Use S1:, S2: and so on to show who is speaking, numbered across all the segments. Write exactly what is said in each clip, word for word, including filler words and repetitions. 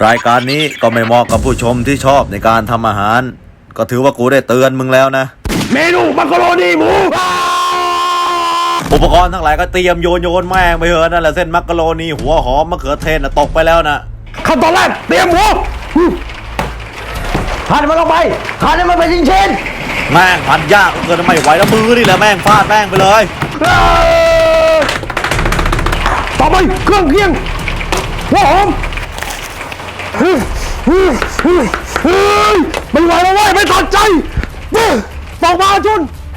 S1: รายการนี้ก็ไม่เหมาะกับผู้ชมที่ชอบในการทำอาหารก็ถือว่ากูได้เตือนมึงแล้วนะ
S2: เมนูมักกะโรนีหมู
S1: อุปกรณ์ทั้งหลายก็เตรียมโยนโยนแม่งไปเถอะนั่นแหละเส้นมักกะโรนีหัวหอมมะเขือเทศนะตกไปแล้วนะ
S2: ขั้นตอนแรกเตรียมหมูหั่นมันลงไปหั่นให้มันเป็นชิ้น
S1: ๆแม่งหั่นยากเกินไม่ไหวแล้วมือนี่แหละแม่งฟาดแม่งไปเลย
S2: ต่อไปเครื่องเคียงหัวหอมไม่ไหวแล้วเว้ยไม่ตัดใจบอกมาจุน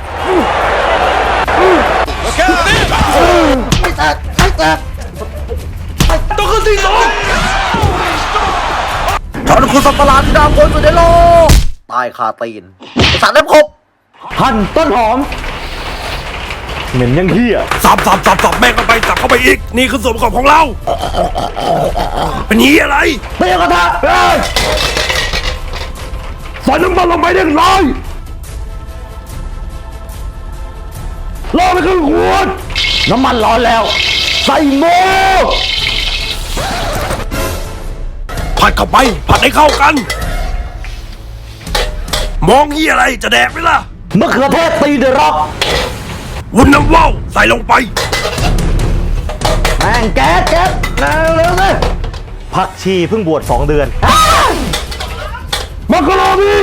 S2: ไม่แตกไม่แตกต้องขึ้นที่สอง
S1: ฉันคือสัตว์ประหลาดที่ดาวคนสุดในโลกตายคาตีนสารเล็บครบ
S2: หั่นต้นหอมเหม็นยังเหี้ย
S3: สับสับสับสับแม่งเข้าไปสับเข้าไปอีกนี่คือส่วนประกอบของเราเป็นนี้อะไร
S2: เตียกระทะใส่น้ำมันลงไปเรียบร้อยรอไปครึ่งขวดน้ำมันร้อนแล้วใส่หมู
S3: ผัดเข้าไปผัดให้เข้ากันมองยี่อะไรจะแดกไหมล่ะ
S2: มะเขือเทศตีเดร็อก
S3: วุ้นน้ำว่าวใส่ลงไป
S2: แม่งแก๊สแก๊สเร็วๆเลยผักชีเพิ่งบวชสองเดือนมักกะโรนี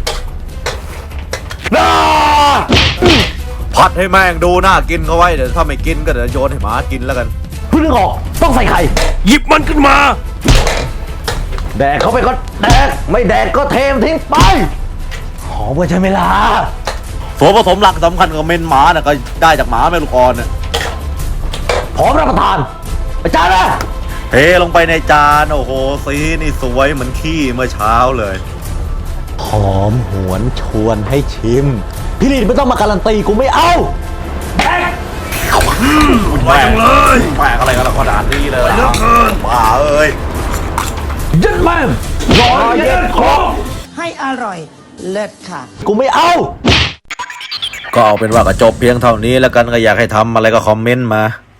S2: น่า
S1: ผัดให้แม่งดูน่ากินเขาไว้เดี๋ยวถ้าไม่กินก็เดี๋ยวโยนให้หมากินแล้วกัน
S2: เพิ่งนึกออกต้องใส่ไข่
S3: หยิบมันขึ้นมา
S2: แดกเข้าไปก็แดกไม่แดกก็เทมทิ้งไปหอมกันใช่ไหมล่ะ
S1: ส่วนผสมหลักสำคัญของเมนหมาน่ะก็ได้จากหมาแม่ลูกอ่อนน่ะ
S2: พร้อมรับประทานอาจารย์นะ
S1: เทลงไปในจานโอ้โหสีนี่สวยเหมือนขี้เมื่อเช้าเลย
S2: หอมหวนชวนให้ชิมพี่ลินไม่ต้องมาการันตีกูไม่เอาแดก
S3: มาจังเลย
S1: แปลกอะไรกันล่ะขนาดนี้เลย
S3: เลิกเกิน
S1: บ้าเอ้ย
S2: ยัดแม่รอเย็นคอ
S4: ให้อร่อยเลิศค่ะ
S2: กูไม่เอา
S1: ก็เอาเป็นว่าก็จบเพียงเท่านี้แล้วกันก็อยากให้ทำอะไรก็คอมเมนต์มา